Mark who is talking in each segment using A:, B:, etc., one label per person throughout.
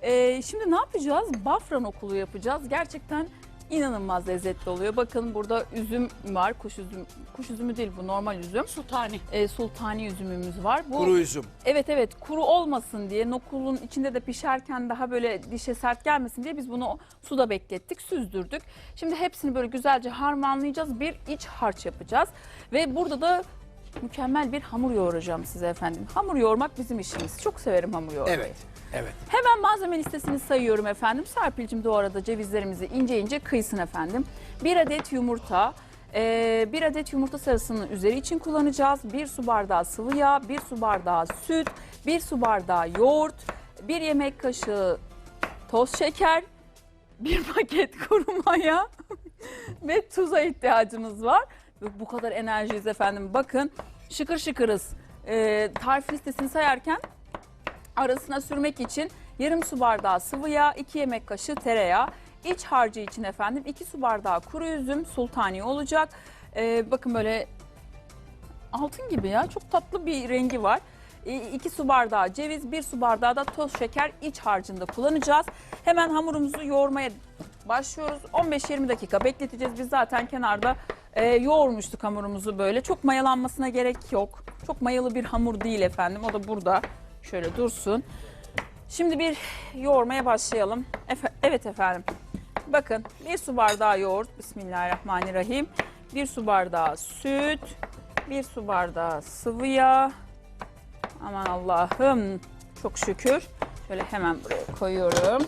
A: Şimdi ne yapacağız? Bafra nokulu yapacağız. Gerçekten inanılmaz lezzetli oluyor. Bakın burada üzüm var. Kuş üzümü değil bu, normal üzüm.
B: Sultani.
A: Sultani üzümümüz var. Bu,
C: Kuru üzüm.
A: evet, kuru olmasın diye, nokulun içinde de pişerken daha böyle dişe sert gelmesin diye biz bunu suda beklettik, süzdürdük. Şimdi hepsini böyle güzelce harmanlayacağız. Bir iç harç yapacağız. Ve burada da mükemmel bir hamur yoğuracağım size efendim. Hamur yoğurmak bizim işimiz. Çok severim hamur yoğurmayı.
C: Evet. Evet.
A: Hemen malzeme listesini sayıyorum efendim. Serpil'cim de o arada cevizlerimizi ince ince kıysın efendim. 1 adet yumurta, 1 adet yumurta sarısının üzeri için kullanacağız. 1 su bardağı sıvı yağ, 1 su bardağı süt, 1 su bardağı yoğurt, 1 yemek kaşığı toz şeker, 1 paket kuru maya ve tuza ihtiyacımız var. Bu kadar enerjiyiz efendim. Bakın şıkır şıkırız. Tarif listesini sayarken arasına sürmek için yarım su bardağı sıvı yağ, 2 yemek kaşığı tereyağı. İç harcı için efendim 2 su bardağı kuru üzüm, sultani olacak. Bakın böyle altın gibi ya, çok tatlı bir rengi var. 2 su bardağı ceviz, 1 su bardağı da toz şeker iç harcında kullanacağız. Hemen hamurumuzu yoğurmaya başlıyoruz. 15-20 dakika bekleteceğiz. Biz zaten kenarda yoğurmuştuk hamurumuzu böyle. Çok mayalanmasına gerek yok. Çok mayalı bir hamur değil efendim. O da burada şöyle dursun. Şimdi bir yoğurmaya başlayalım. Evet efendim. Bakın 1 su bardağı yoğurt. Bismillahirrahmanirrahim. 1 su bardağı süt. 1 su bardağı sıvı yağ. Aman Allah'ım. Çok şükür. Şöyle hemen buraya koyuyorum.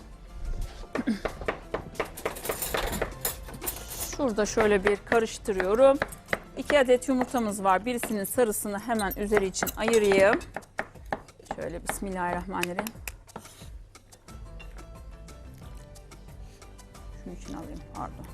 A: Şurada şöyle bir karıştırıyorum. 2 adet yumurtamız var. Birisinin sarısını hemen üzeri için ayırayım. Şöyle bismillahirrahmanirrahim. Şunu için alayım, pardon.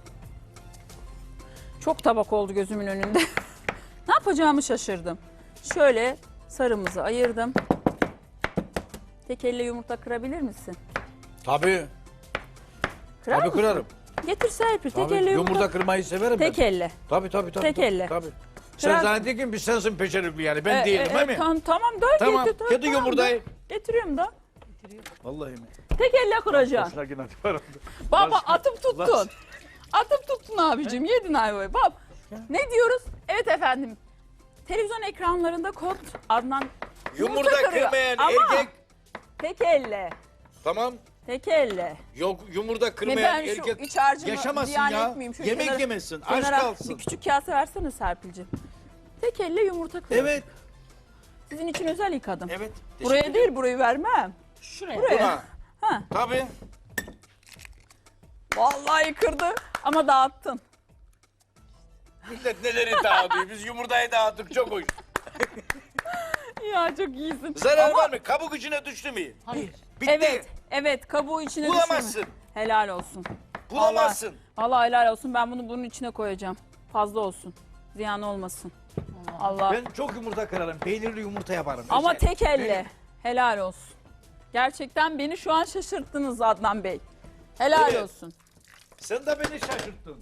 A: Çok tabak oldu gözümün önünde. Ne yapacağımı şaşırdım. Şöyle sarımızı ayırdım. Tek elle yumurta kırabilir misin?
C: Tabii.
A: Kırar
C: Tabii
A: mısın?
C: kırarım.
A: Getir Serpil, tek
C: Tabii.
A: elle
C: Yumurta kırmayı severim
A: Tek
C: ben.
A: elle.
C: Tabii.
A: Tek elle.
C: Tabii. Sen
A: Kırar-
C: zannediyorsun ki biz sensin peşerikli yani. Ben değilim değil mi?
A: Tamam da
C: Tamam.
A: getir.
C: Kedi yumurtayı.
A: Getiriyorum da.
C: Vallahi mi?
A: Tek elle kıracaksın.
C: Boşuna yine var.
A: Baba
C: Başka-
A: atıp tuttun. Atıp tuttun abicim. Yedin ayvayı. Bab. Ne diyoruz? Evet efendim. Televizyon ekranlarında kod Adnan
C: Yumurta
A: kırıyor.
C: kırmayan
A: Ama
C: erkek.
A: tek elle.
C: Tamam.
A: Tek elle.
C: Yok yumurta
A: Ne
C: kırmayan
A: ben şu
C: erkek
A: iç harcımı
C: yaşamasın
A: ziyan
C: ya.
A: etmeyeyim. Şu
C: Yemek
A: kenara-
C: yemesin. Aç
A: kenara
C: kalsın.
A: Bir küçük kase versene Serpil'cim. Tek elle yumurta kırıyor.
C: Evet.
A: Sizin için özel yıkadım.
C: Evet.
A: Buraya değil, burayı vermem.
B: Şuraya.
A: Buraya.
C: Buna.
A: Ha.
C: Tabii.
A: Vallahi kırdı ama dağıttın.
C: Millet neleri dağıtıyor. Biz yumurtayı dağıttık çok hoş.
A: Ya çok iyisin.
C: Zarar
A: Ama-
C: var mı? Kabuk içine düştü mü?
B: Hayır.
C: Bitti.
A: Evet kabuğu içine
C: Bulamazsın.
A: düşürme. Helal olsun.
C: Bulamazsın.
A: Vallahi helal olsun, ben bunu bunun içine koyacağım. Fazla olsun. Ziyan olmasın. Allah.
C: Ben çok yumurta kırarım. Peynirli yumurta yaparım.
A: Ama
C: Özel.
A: tek elle.
C: Benim-
A: Helal olsun. Gerçekten beni şu an şaşırttınız Adnan Bey. Helal
C: Evet.
A: olsun.
C: Sen de beni şaşırttın.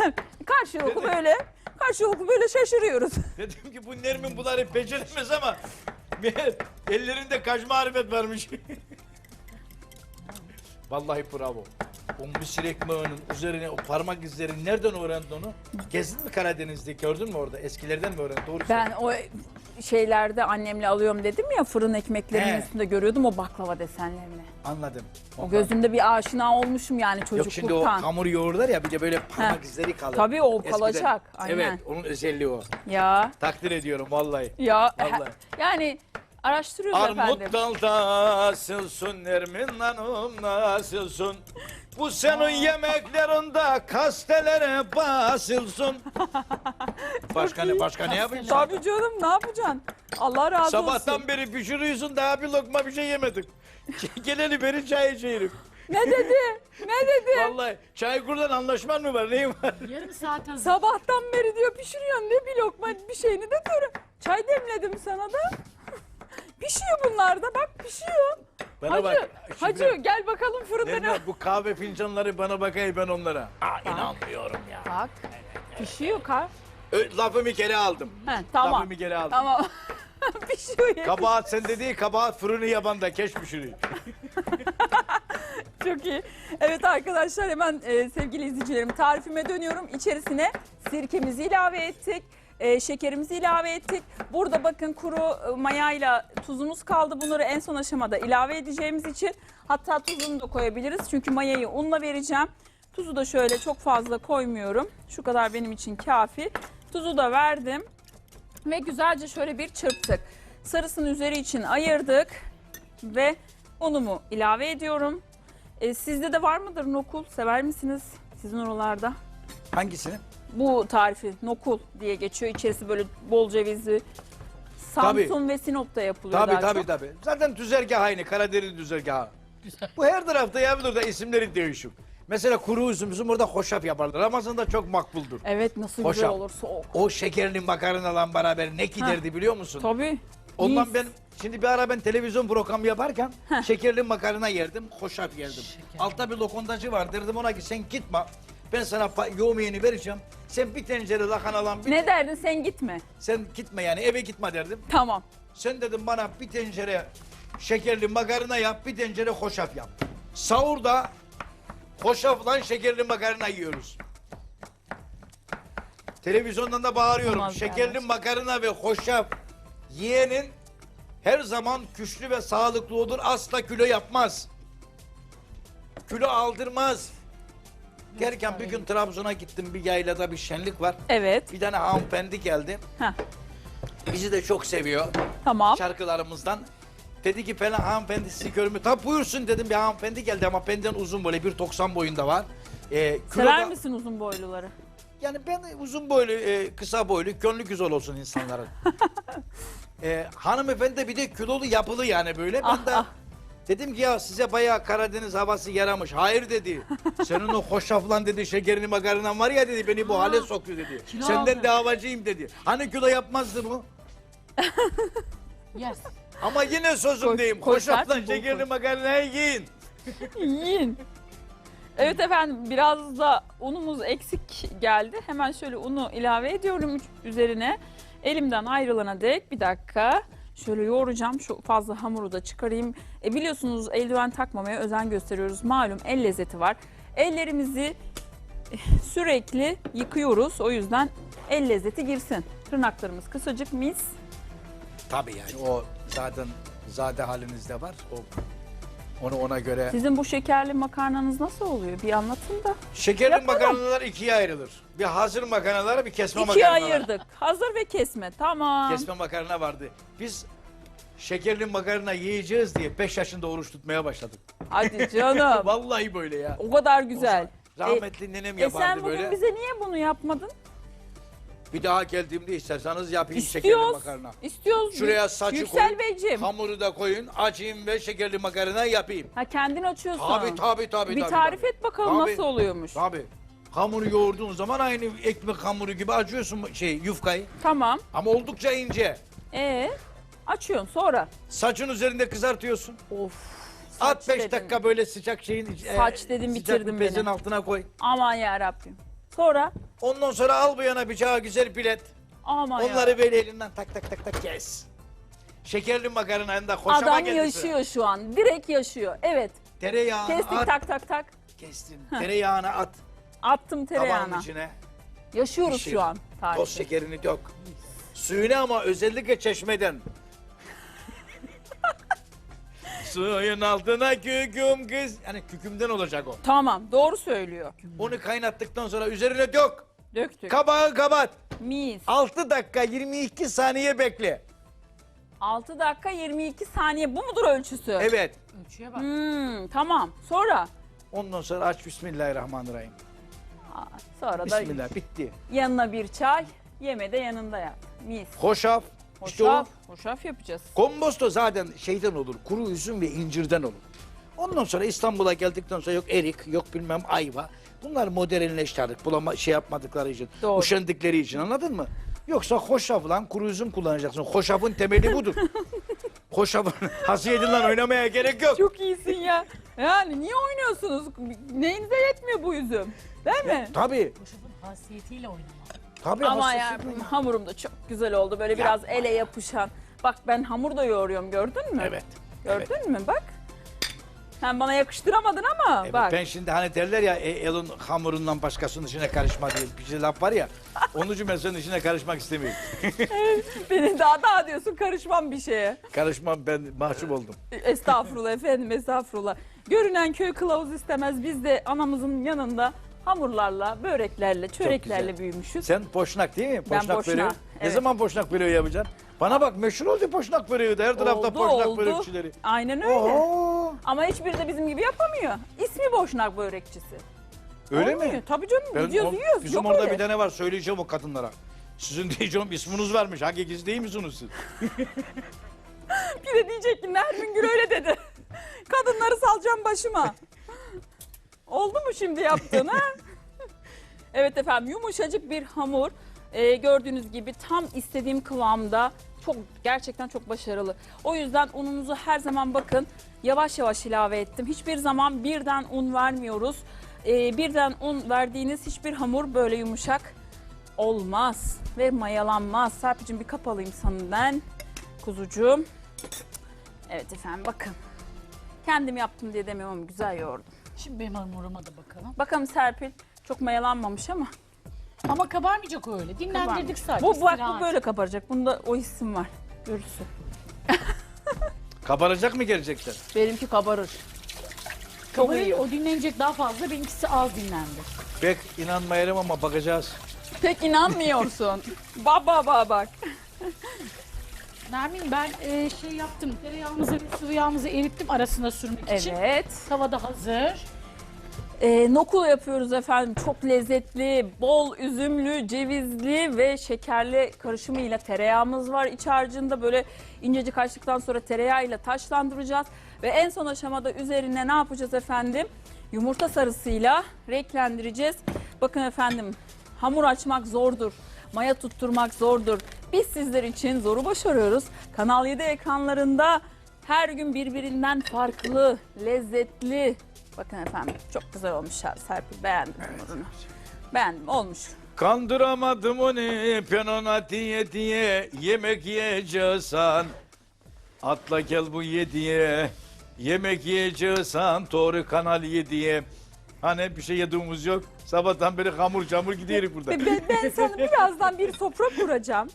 A: Karşılıklı böyle şaşırıyoruz.
C: Dedim ki bu Nermin bunları beceremez ama meğer ellerinde kaç marifet varmış. Vallahi bravo. O mısır ekmeğinin üzerine o parmak izlerini nereden öğrendin onu? Gezdin mi Karadeniz'de, gördün mü orada? Eskilerden mi öğrendin? Doğru
A: Ben o şeylerde annemle alıyorum dedim ya, fırın ekmeklerinin
C: He.
A: üstünde görüyordum o baklava desenlerini.
C: Anladım.
A: O gözümde bir aşina olmuşum yani
C: Yok
A: çocukluktan.
C: şimdi o hamur yoğururlar ya bir de böyle parmak
A: Heh.
C: izleri kalır.
A: Tabii o
C: Eskiden.
A: kalacak, aynen.
C: Evet onun özelliği o.
A: Ya
C: Takdir ediyorum vallahi.
A: Vallahi. Yani araştırıyoruz efendim.
C: Armut dalda nasılsın Nermin Hanım nasılsın? Bu senin yemeklerinde kastelere basılsın. Başka ne yapacaksın?
A: Tabii canım, ne yapacaksın? Allah razı olsun.
C: Sabahtan beri pişiriyorsun daha bir lokma bir şey yemedik. Geleli beri çay içerim.
A: Ne dedi? Ne dedi?
C: Vallahi Çaykur'dan anlaşman mı var neyin var?
B: Yarım saat hazır.
A: Sabahtan beri diyor pişiriyorsun, ne bir lokma bir şeyini de diyorum. Çay demledim sana da. Pişiyor bunlar da, bak pişiyor.
C: Bana
A: Hacı,
C: bak. şimdi-
A: hacı gel bakalım fırında ne.
C: Nermin, bu kahve fincanları bana bakayım ben onlara. İnanmıyorum ya.
A: Bak pişiyor kar.
C: Lafımı geri aldım.
A: He, tamam.
C: Lafımı geri aldım.
A: Tamam. Pişiyor ya.
C: Kabahat sende değil, kabahat fırını yabanda keş pişiriyor.
A: Çok iyi. Evet arkadaşlar hemen sevgili izleyicilerim tarifime dönüyorum. İçerisine sirkemizi ilave ettik. Şekerimizi ilave ettik. Burada bakın kuru mayayla tuzumuz kaldı. Bunları en son aşamada ilave edeceğimiz için hatta tuzunu da koyabiliriz. Çünkü mayayı unla vereceğim. Tuzu da şöyle çok fazla koymuyorum. Şu kadar benim için kafi. Tuzu da verdim. Ve güzelce şöyle bir çırptık. Sarısını üzeri için ayırdık. Ve unumu ilave ediyorum. Sizde de var mıdır nokul? Sever misiniz sizin oralarda?
C: Hangisini?
A: Bu tarifi nokul diye geçiyor. İçerisi böyle bol cevizli. Samsun ve Sinop'ta yapılıyor
C: Tabii
A: daha
C: tabii
A: çok.
C: tabii. Zaten düzergah aynı. Karadeniz düzergahı. Bu her tarafta yapılır da isimleri değişik. Mesela kuru üzüm bizim orada hoşaf yaparlar. Ramazan'da çok makbuldur.
A: Evet nasıl güzel
C: Hoşaf.
A: olur soğuk.
C: O şekerli makarnadan beraber ne giderdi biliyor musun?
A: Tabii.
C: Ondan
A: Mis.
C: ben şimdi bir ara ben televizyon programı yaparken şekerli makarna yerdim, hoşaf yerdim. Altta bir lokantacı var, derdim ona ki sen gitme. Ben sana yemeğini vereceğim. Sen bir tencere lakanalan
A: Ne derdin sen gitme.
C: sen gitme yani eve gitme derdim.
A: Tamam.
C: Sen dedim bana bir tencere şekerli makarna yap, bir tencere hoşaf yap. Sahurda hoşafla şekerli makarna yiyoruz. Televizyondan da bağırıyorum.
A: Olmaz
C: Şekerli
A: yani.
C: makarna ve hoşaf yiyenin her zaman güçlü ve sağlıklı olur. Asla kilo yapmaz. Kilo aldırmaz. Derken bir gün Trabzon'a gittim. Bir yaylada bir şenlik var.
A: Evet.
C: Bir tane hanımefendi geldi.
A: Heh.
C: Bizi de çok seviyor.
A: Tamam.
C: Şarkılarımızdan. Dedi ki falan hanımefendi sizi görmüyor. Tabi buyursun dedim, bir hanımefendi geldi ama benden uzun böyle 1.90 boyunda var.
A: Sever misin uzun boyluları?
C: Yani ben uzun boylu, kısa boylu, gönlü güzel olsun insanların. Hanımefendi de bir de kilolu yapılı yani böyle. Ben de dedim ki ya size bayağı Karadeniz havası yaramış. Hayır dedi. Senin o hoşaflan dedi, şekerini makarnan var ya dedi, beni bu hale sokuyor dedi.
B: Kilo
C: Senden
B: aldı.
C: davacıyım dedi. Hani kilo yapmazdı bu?
B: Yes.
C: Ama yine sözümdeyim. Hoşaflan
A: koşarsın, bol
C: şekerli
A: koy.
C: makarnayı yiyin.
A: Yiyin. Evet efendim biraz da unumuz eksik geldi. Hemen şöyle unu ilave ediyorum üzerine. Elimden ayrılana dek bir dakika. Şöyle yoğuracağım. Şu fazla hamuru da çıkarayım. Biliyorsunuz eldiven takmamaya özen gösteriyoruz. Malum el lezzeti var. Ellerimizi sürekli yıkıyoruz. O yüzden el lezzeti girsin. Tırnaklarımız kısacık mis.
C: Tabii yani o zaten zade halinizde var. Onu ona göre.
A: Sizin bu şekerli makarnanız nasıl oluyor? Bir anlatın da.
C: Şekerli
A: Yapalım.
C: makarnalar ikiye ayrılır. Bir hazır makarnalar, bir kesme
A: İkiye
C: makarnalar.
A: ayırdık. Hazır ve kesme. Tamam.
C: Kesme makarna vardı. Biz şekerli makarna yiyeceğiz diye 5 yaşında oruç tutmaya başladık.
A: Hadi canım.
C: Vallahi böyle ya.
A: O kadar güzel.
C: Rahmetli nenem
A: Sen
C: yapardı
A: bugün
C: böyle.
A: bize niye bunu yapmadın?
C: Bir daha geldiğimde isterseniz yapayım şekerli
A: İstiyoruz.
C: makarna.
A: İstiyoruz.
C: Şuraya saçı
A: Yüksel
C: koyun,
A: Beyciğim.
C: hamuru da koyun, açayım ve şekerli makarna yapayım.
A: Ha kendin açıyorsun.
C: Tabii.
A: Bir tarif et bakalım
C: Tabii.
A: nasıl oluyormuş.
C: Tabii. Hamuru yoğurduğun zaman aynı ekmek hamuru gibi açıyorsun yufkayı.
A: Tamam.
C: Ama oldukça ince.
A: Açıyorsun sonra.
C: Saçın üzerinde kızartıyorsun.
A: Of.
C: At 5
A: dedin.
C: dakika böyle sıcak şeyin
A: Saç dedin,
C: sıcak
A: bitirdin
C: bir bezin
A: beni.
C: altına koy.
A: Aman ya Rabbim. Sonra
C: Ondan sonra al bu yana bıçağı güzel pilet.
A: aman ya.
C: Onları böyle elinden tak kes. Şekerli makarnanın da hoşama
A: Adam
C: geldi sıra.
A: yaşıyor şu an. Direkt yaşıyor. Evet.
C: Tereyağını
A: Kestik
C: at.
A: tak.
C: Kestin. Tereyağını at.
A: Attım
C: Tabağın
A: tereyağına.
C: içine.
A: Yaşıyoruz
C: Pişir.
A: şu an
C: Toz
A: tarifi.
C: şekerini dök. Suyunu ama özellikle çeşmeden. Suyun altına küküm kız. Yani kükümden olacak o.
A: Tamam doğru söylüyor.
C: Onu kaynattıktan sonra üzerine dök.
A: Döktük.
C: Kabağı kapat.
A: Mis.
C: 6 dakika 22 saniye bekle.
A: 6 dakika 22 saniye bu mudur ölçüsü?
C: Evet.
B: Ölçüye bak.
A: Tamam. Sonra?
C: Ondan sonra aç Bismillahirrahmanirrahim.
A: Sonra da
C: Bismillah bitti.
A: yanına bir çay, yeme de yanında yap. Mis.
C: Hoşaf. İşte o
A: Hoşaf, hoşaf yapacağız.
C: komposto zaten şeyden olur. Kuru üzüm ve incirden olur. Ondan sonra İstanbul'a geldikten sonra yok erik, yok bilmem ayva. Bunlar modernleşti artık. Yapmadıkları için,
A: Doğru.
C: üşendikleri için, anladın mı? Yoksa hoşafla kuru üzüm kullanacaksın. Hoşafın temeli budur. Hoşafın hasiyetinden oynamaya gerek yok.
A: Çok iyisin ya. Yani niye oynuyorsunuz? Neyinize yetmiyor bu üzüm? Değil mi?
C: Tabii.
B: Hoşafın hasiyetiyle oynama.
C: Tabii
A: Ama
C: hasiyeti.
A: ya hamurum da çok güzel oldu. Böyle biraz ele yapışan. Bak ben hamur da yoğuruyorum gördün mü?
C: Evet.
A: Gördün mü bak. Sen bana yakıştıramadın ama
C: Evet,
A: bak.
C: ben şimdi hani derler ya elin hamurundan başkasının işine karışma diye bir şey laf var ya. Onun için ben senin işine karışmak istemiyorum.
A: Beni daha diyorsun, karışmam bir şeye.
C: Karışmam, ben mahcup oldum.
A: Estağfurullah efendim, estağfurullah. Görünen köy kılavuz istemez. Biz de anamızın yanında hamurlarla, böreklerle, çöreklerle
C: güzel.
A: büyümüşüz.
C: Sen boşnak değil mi?
A: Ben
C: Boşnak
A: boşnak,
C: böreği. Ne
A: evet.
C: zaman boşnak böreği yapacaksın? Bana bak, meşhur oldu boşnak böreği de. Her tarafta
A: Oldu,
C: boşnak
A: oldu.
C: börekçileri.
A: Aynen öyle.
C: Oo,
A: Ama hiçbiri de bizim gibi yapamıyor. İsmi boşnak börekçisi.
C: öyle
A: Olmuyor.
C: mi?
A: Tabii canım, gidiyoruz yiyoruz.
C: Bizim
A: Yok
C: orada
A: öyle.
C: bir tane var, söyleyeceğim o kadınlara. Sizin diyeceğim isminiz varmış. Hakikisi değil misiniz siz?
A: Bir de diyecek ki Nermin Gül öyle dedi. Kadınları salacağım başıma. Oldu mu şimdi yaptığın ha? Evet efendim, yumuşacık bir hamur. Gördüğünüz gibi tam istediğim kıvamda. Gerçekten çok başarılı. O yüzden ununuzu her zaman bakın yavaş yavaş ilave ettim. Hiçbir zaman birden un vermiyoruz. Birden un verdiğiniz hiçbir hamur böyle yumuşak olmaz ve mayalanmaz. Serpil'cim bir kap alayım senden kuzucuğum. Evet efendim, bakın. Kendim yaptım diye demiyorum ama güzel yoğurdum.
B: Şimdi benim hamuruma da bakalım.
A: Bakalım Serpil, çok mayalanmamış ama.
B: Ama kabarmayacak öyle. Dinlendirdik sadece.
A: Bu
B: istirahat.
A: böyle kabaracak. Bunda o hissim var. Görürsün.
C: Kabaracak mı gerçekten?
A: Benimki kabarır. Çok
B: Kabarır,
A: iyi.
B: o dinlenecek daha fazla. Benimkisi az dinlendi.
C: Pek inanmayalım ama bakacağız.
A: Pek inanmıyorsun. Baba bak.
B: Nermin, ben şey yaptım. Tereyağımızı ve sıvı yağımızı erittim arasına sürmek için.
A: Evet.
B: Tavada hazır.
A: Nokul yapıyoruz efendim. Çok lezzetli, bol üzümlü, cevizli ve şekerli karışımıyla tereyağımız var iç harcında. Böyle incecik açtıktan sonra tereyağıyla taşlandıracağız. Ve en son aşamada üzerine ne yapacağız efendim? Yumurta sarısıyla renklendireceğiz. Bakın efendim, hamur açmak zordur. Maya tutturmak zordur. Biz sizler için zoru başarıyoruz. Kanal 7 ekranlarında her gün birbirinden farklı, lezzetli. Bakın efendim, çok güzel olmuş Serpil. Beğendim hamurunu. Beğendim, olmuş.
C: Kandıramadım onu ben ona diye yemek yiyeceksen. Atla gel bu yediye yemek yiyeceksen doğru Kanal 7'ye. Hani bir şey yediğimiz yok. Sabahtan beri hamur camur gidiyoruz burada.
A: Ben sana birazdan bir sofra kuracağım.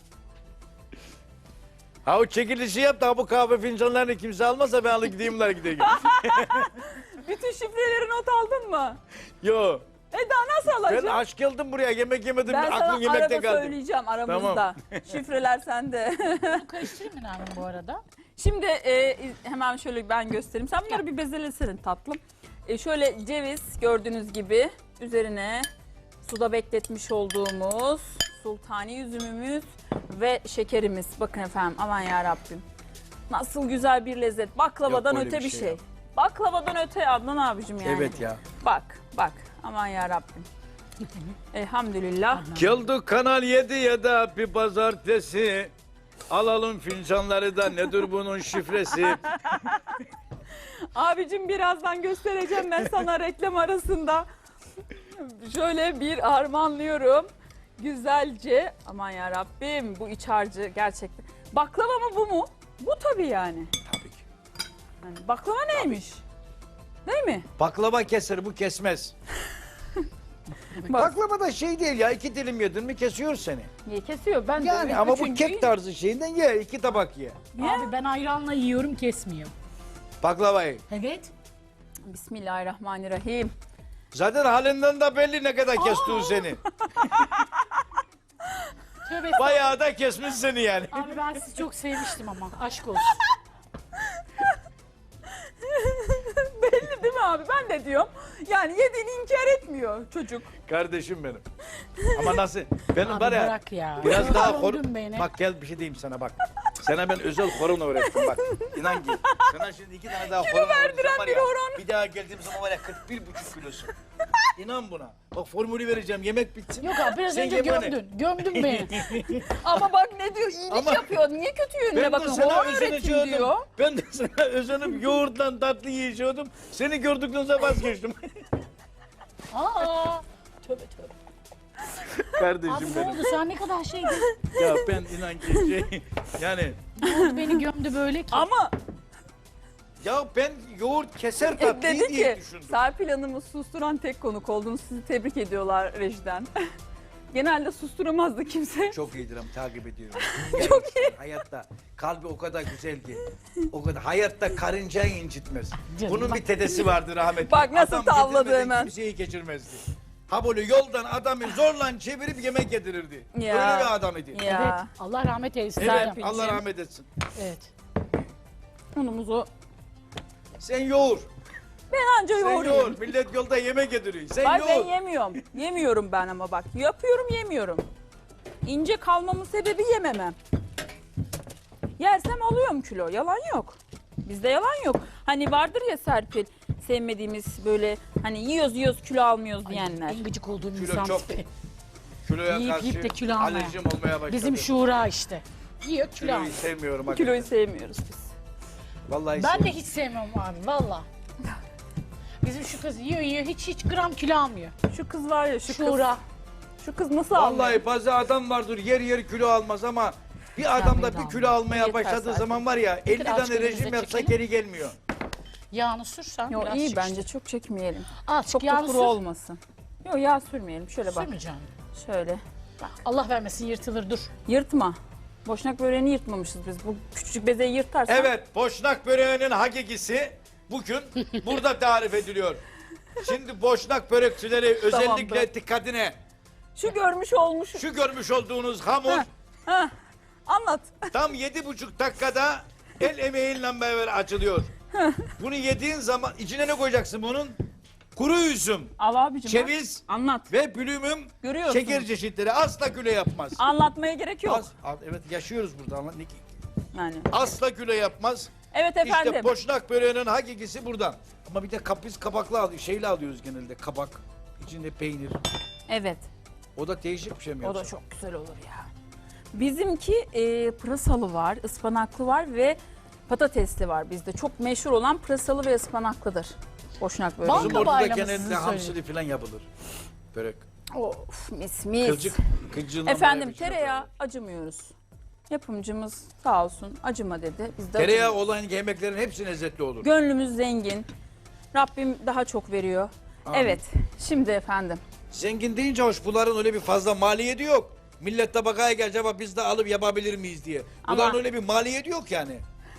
C: Ha o çekilişi yap da bu kahve fincanlarını kimse almazsa ben alıp gideyim bunlara gideyim.
A: Bütün şifreleri not aldın mı?
C: Yo.
A: Daha nasıl
C: Ben
A: alacağım?
C: aç geldim buraya, yemek yemedim,
A: Ben sana
C: aklım yemekte
A: arada
C: kaldı.
A: söyleyeceğim aramızda. Şifreler sende.
B: Bu karıştırayım mı Nermin bu arada?
A: Şimdi hemen şöyle ben göstereyim. Sen bunları bir bezelesene tatlım. Şöyle ceviz gördüğünüz gibi üzerine suda bekletmiş olduğumuz sultani üzümümüz ve şekerimiz. Bakın efendim, aman ya Rabbim. Nasıl güzel bir lezzet. Baklavadan
C: Yok, öyle
A: öte
C: bir
A: bir
C: şey
A: şey.
C: ya.
A: Baklavadan öte Adnan abicim yani.
C: Evet ya.
A: Bak. Aman ya Rabbim. Elhamdülillah.
C: Geldik Kanal 7'ye de bir pazartesi. Alalım fincanları da nedir bunun şifresi?
A: Abicim birazdan göstereceğim ben sana reklam arasında. Şöyle bir harmanlıyorum. Güzelce. Aman ya Rabbim, bu iç harcı gerçekten. Baklava mı bu mu? Bu tabii yani.
C: Tabii ki.
A: Yani baklava neymiş? Değil mi?
C: Baklava keser, bu kesmez. Baklava da şey değil ya, 2 dilim yedin mi kesiyor seni.
A: Niye kesiyor? Ben de
C: Yani ama bu
A: üçüncüyü-
C: kek tarzı şeyinden ye, 2 tabak ye.
A: Ye.
B: Abi ben ayranla yiyorum, kesmiyor.
C: Baklavayı.
B: Evet.
A: Bismillahirrahmanirrahim.
C: Zaten halinden de belli ne kadar kestiği seni.
B: Tövbe.
C: Bayağı da kesmiş seni yani.
B: Abi ben sizi çok sevmiştim ama. Aşk olsun.
A: Belli değil mi abi? Ben de diyorum. Yani yediğini inkar etmiyor çocuk.
C: Kardeşim benim. Ama nasıl? Benim
B: Abi
C: var ya,
B: bırak ya.
C: biraz daha hor...
B: Gördün beni.
C: Bak gel bir şey diyeyim sana bak. Sana ben özel horon öğrettim bak. İnan ki. Sana şimdi 2 tane daha horon öğreteceğim var
A: bir
C: ya.
A: horon.
C: Bir daha geldiğim zaman var ya 41,5 kilosun. İnan buna. Bak formülü vereceğim, yemek bitsin.
B: Yok abi biraz
C: Sen
B: önce
C: ye bana.
B: gömdün. Gömdün beni.
A: Ama bak ne diyor? İyilik
C: Ama-
A: yapıyor. Niye kötü yönüne
C: Ben de
A: bakın?
C: sana
A: Horon öğretim
C: özeneceğim.
A: diyor.
C: Ben de sana özenip yoğurtla tatlı yiyeceğim. Seni gördükten sonra vazgeçtim.
B: Aa. Tövbe tövbe.
C: Kardeşim
B: Abi ne
C: benim.
B: oldu? Sen ne kadar şeydin.
C: Ya ben inan ki şey yani
B: Ne oldu, beni gömdü böyle ki.
A: Ama
C: Ya ben yoğurt keser tatlıyı
A: Dedi
C: diye
A: ki
C: düşündüm.
A: Serpil Hanım'ı susturan tek konuk oldunuz. Sizi tebrik ediyorlar rejiden. Genelde susturamazdı kimse.
C: Çok iyidir ama takip ediyorum. Çok iyi. Hayatta kalbi o kadar güzel ki. O kadar hayatta karıncayı incitmez.
B: Canım,
C: Bunun
B: bak.
C: bir tedesi vardır rahmetli.
A: Bak nasıl
C: Adam
A: tavladı
C: getirmeden
A: hemen.
C: Kimseyi geçirmezdi. Ha böyle yoldan adamı zorla çevirip yemek yedirirdi.
A: Ya.
C: Öyle bir adam idi.
A: Ya.
B: Evet. Allah rahmet eylesin.
C: Evet,
A: Serpil'cim.
C: Allah rahmet etsin.
B: Evet.
A: Unumuzu
C: Sen yoğur.
A: anca
C: Sen
A: yoğurayım.
C: yoğur. Millet yolda yemek yediriyor. Sen
A: Ay ben
C: yoğur.
A: yemiyorum. Yemiyorum ben ama bak. Yapıyorum yemiyorum. İnce kalmamın sebebi yememem. Yersem alıyorum kilo. Yalan yok. Bizde yalan yok. Hani vardır ya Serpil sevmediğimiz böyle hani yiyoruz kilo almıyoruz diyenler.
B: En gıcık olduğum
C: Kilo
B: insan
C: çok.
B: tipi.
C: Kiloya
B: Yiyip
C: karşı
B: yiyip de kilo almaya.
C: alerjim olmaya başladı.
B: Bizim şura işte. Yiyor kilo
C: Kiloyu
B: alıyor.
C: sevmiyorum.
A: Kiloyu
C: hakikaten.
A: sevmiyoruz biz.
C: Vallahi
B: Ben de hiç sevmem abi valla. Bizim şu kız yiyor hiç gram kilo almıyor.
A: Şu kız var ya şu
B: Şura.
A: kız. Şu kız nasıl almıyor?
C: Vallahi bazı adam vardır yer kilo almaz ama bir adam da bir kilo almaya
A: Yeter
C: başladığı
A: zaten.
C: zaman var ya 50
B: Biraz
C: tane rejim
B: kendimize
C: yapsa
B: çekelim.
C: geri gelmiyor.
B: Yağını sürsen
A: Yok
B: biraz
A: iyi
B: çık
A: bence
B: işte.
A: çok çekmeyelim.
B: Azıcık
A: Çok da
B: yağını
A: kuru
B: sür.
A: olmasın. Yok yağ sürmeyelim. Şöyle bak.
B: Sürmeyeceğim.
A: Şöyle.
B: Allah vermesin yırtılır dur.
A: Yırtma. Boşnak böreğini yırtmamışız biz. Bu küçücük bezeyi yırtarsan.
C: Evet, boşnak böreğinin hakikisi bugün burada tarif ediliyor. Şimdi boşnak börekçileri özellikle
A: Tamamdır.
C: dikkatine
A: Şu görmüş olmuş.
C: şu görmüş olduğunuz hamur
A: Heh, Anlat.
C: tam 7,5 dakikada el emeğiyle beraber açılıyor. Bunu yediğin zaman içine ne koyacaksın bunun? Kuru üzüm,
A: Al abicim. bak.
C: ceviz
A: Anlat.
C: ve bülümüm
A: Görüyorsun.
C: şeker çeşitleri asla kilo yapmaz.
A: Anlatmaya gerek yok.
C: Evet yaşıyoruz burada.
A: Yani.
C: Asla kilo yapmaz.
A: Evet efendim.
C: İşte boşnak böreğinin hakikisi buradan. Ama bir de kapris kabaklı şeyle alıyoruz genelde kabak. İçinde peynir.
A: Evet.
C: O da değişik bir şey mi
A: O da
C: yoksa?
A: çok güzel olur ya. Bizimki pırasalı var, ıspanaklı var ve patatesli var bizde. Çok meşhur olan pırasalı ve ıspanaklıdır. Boşnak böreği.
B: Bal
C: Bizim orada da
B: kabağıyla mı
C: genelde
B: sizin
C: hamsili falan yapılır. Börek.
A: Of mis mis.
C: Kılcığından
A: Efendim
C: böyle bir şey
A: tereyağı
C: yapılır.
A: acımıyoruz. Yapımcımız sağ olsun acıma dedi. Biz de
C: Tereyağı
A: acımıyoruz.
C: olan yemeklerin hepsi lezzetli olur.
A: Gönlümüz zengin. Rabbim daha çok veriyor.
C: Amin.
A: Evet. Şimdi efendim.
C: Zengin deyince hoş bunların öyle bir fazla maliyeti yok. Millet tabakaya gelecek ama biz de alıp yapabilir miyiz diye. Bunların
A: Ama-
C: öyle bir maliyeti yok yani.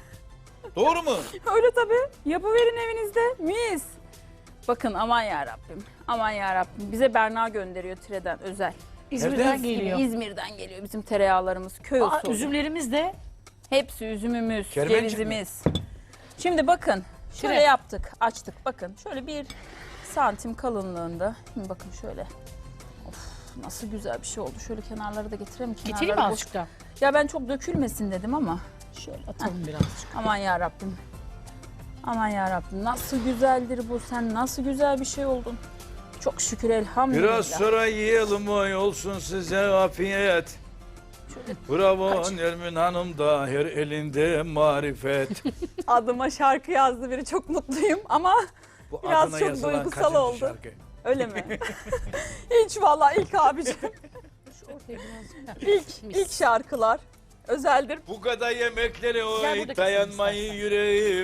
C: Doğru mu?
A: Öyle tabii. Yapıverin evinizde. Mis. Bakın aman ya Rabbim. Aman ya Rabbim. Bize Berna gönderiyor Tire'den özel.
B: İzmir'den
C: Nereden?
B: geliyor.
A: İzmir'den geliyor bizim tereyağlarımız. Köy
B: Aa,
A: usulü.
B: üzümlerimiz de
A: Hepsi üzümümüz,
C: Kermencik mi?
A: cevizimiz. Şimdi bakın. Şöyle
B: Tire.
A: yaptık. Açtık. Bakın. Şöyle 1 santim kalınlığında. Şimdi bakın şöyle. Of nasıl güzel bir şey oldu. Şöyle kenarları da getireyim.
B: getireyim mi
A: Kenarları boş-
B: azıcık da?
A: Ya ben çok dökülmesin dedim ama.
B: Şöyle atalım birazcık.
A: Aman ya Rabbim. Aman ya Rabbim. Nasıl güzeldir bu. Sen nasıl güzel bir şey oldun. Çok şükür elhamdülillah.
C: Biraz sonra yiyelim oy olsun size afiyet. Bravo Nermin Hanım da her elinde marifet.
A: Adıma şarkı yazdı biri. Çok mutluyum ama
C: Bu
A: Biraz
C: adına
A: çok
C: yazılan
A: duygusal
C: kaçıncı
A: oldu.
C: şarkı?
A: öyle mi? Hiç vallahi ilk abicim. İlk şarkılar özeldir.
C: Bu kadar yemeklere
B: Gel
C: oy
B: buradaki
C: dayanmayı
B: istersen.
C: yüreğim.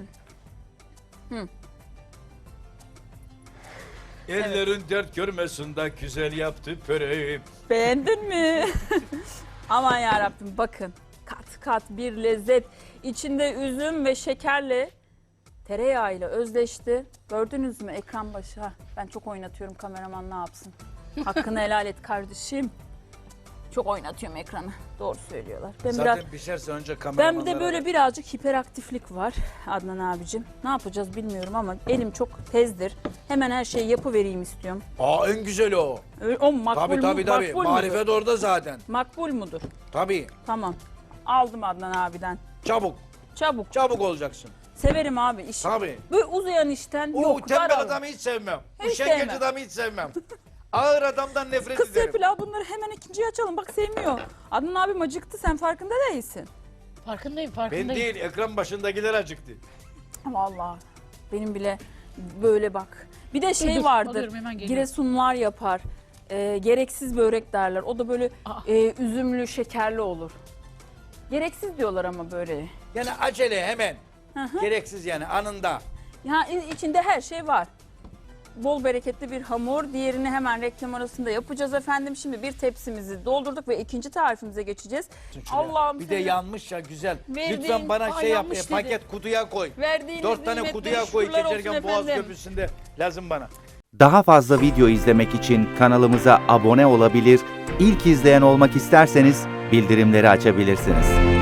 C: Ellerin dert görmesin de güzel yaptı pöreğim.
A: Beğendin mi? Aman ya Rabbim bakın. Kat kat bir lezzet. İçinde üzüm ve şekerle tereyağıyla özleşti. Gördünüz mü ekran başı? Ha, ben çok oynatıyorum kameraman ne yapsın? Hakkını helal et kardeşim. Çok oynatıyorum ekranı. Doğru söylüyorlar. Ben
C: Zaten pişerse önce
A: Ben
C: kameramanlara...
A: bir de böyle birazcık hiperaktiflik var Adnan abicim. Ne yapacağız bilmiyorum ama elim çok tezdir. Hemen her şeyi yapıvereyim istiyorum.
C: Aa en güzeli o.
A: O makbul
C: Tabii.
A: makbul mudur?
C: Marifet orada zaten.
A: Makbul mudur?
C: Tabii.
A: Tamam. Aldım Adnan abiden.
C: Çabuk.
A: Çabuk.
C: Çabuk olacaksın.
A: Severim abi işi.
C: Tabii.
A: Böyle uzayan işten
C: O
A: yok.
C: tembel
A: daralın.
C: adamı hiç sevmem.
A: Hiç
C: Üşengeç
A: sevmem.
C: adamı hiç sevmem. Ağır adamdan nefret
A: Kız
C: ederim.
A: Serpil abi bunları hemen ikinciye açalım. Bak sevmiyor. Adnan abim acıktı sen farkında değilsin.
B: Farkındayım
C: Ben
B: farkındayım.
C: değil ekran başındakiler acıktı.
A: Vallahi benim bile böyle bak. Bir de şey
B: dur,
A: vardır.
B: alıyorum, hemen geliyorum.
A: Giresunlar yapar. Gereksiz börek derler. O da böyle
B: Aa.
A: üzümlü, şekerli olur. Gereksiz diyorlar ama böyle.
C: Yani acele hemen. Gereksiz yani anında.
A: Ya içinde her şey var. Bol bereketli bir hamur. Diğerini hemen reklam arasında yapacağız efendim. Şimdi bir tepsimizi doldurduk ve ikinci tarifimize geçeceğiz. Allah'ım
C: Bir de
A: senin
C: yanmış ya güzel.
A: Verdiğin-
C: Lütfen bana
B: Aa,
C: şey yap.
B: yanmış dedi.
C: Paket kutuya koy.
A: verdiğiniz
C: 4 tane
A: nimetleri
C: kutuya koy.
A: şükürler olsun
C: Geçerken Boğaz
A: efendim.
C: Köprüsü'nde lazım bana.
D: Daha fazla video izlemek için kanalımıza abone olabilir, ilk izleyen olmak isterseniz bildirimleri açabilirsiniz.